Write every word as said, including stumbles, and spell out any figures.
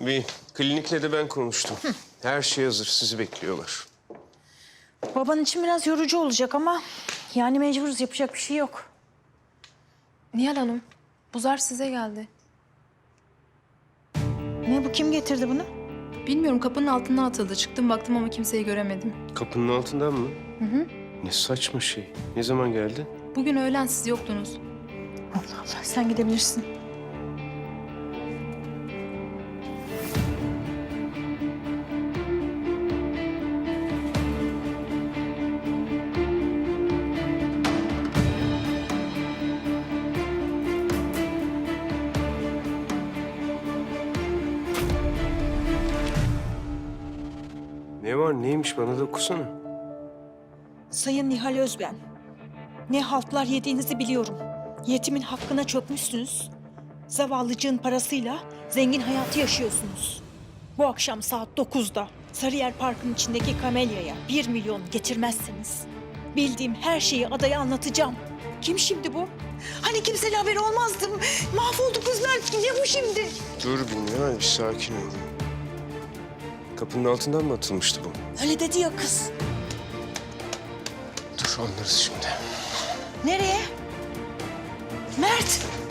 Bir klinikle de ben konuştum. Hı. Her şey hazır, sizi bekliyorlar. Baban için biraz yorucu olacak ama yani mecburuz, yapacak bir şey yok. Nihal Hanım, bu zar size geldi. Ne bu, kim getirdi bunu? Bilmiyorum, kapının altından atıldı. Çıktım baktım ama kimseyi göremedim. Kapının altından mı? Hı hı. Ne saçma şey. Ne zaman geldi? Bugün öğlen siz yoktunuz. Allah Allah, sen gidebilirsin. Ne var, neymiş bana da okusana. Sayın Nihal Özben, ne haltlar yediğinizi biliyorum. Yetimin hakkına çökmüşsünüz. Zavallıcığın parasıyla zengin hayatı yaşıyorsunuz. Bu akşam saat dokuzda Sarıyer Parkı'nın içindeki kamelyaya bir milyon getirmezseniz bildiğim her şeyi adaya anlatacağım. Kim şimdi bu? Hani kimseyle haberi olmazdı. Mahvoldu kızlar. Ne bu şimdi? Dur Bilmiyorum, bir sakin ol. Kapının altından mı atılmıştı bu? Öyle dedi ya kız. Dur, anlarız şimdi. Nereye? Mert!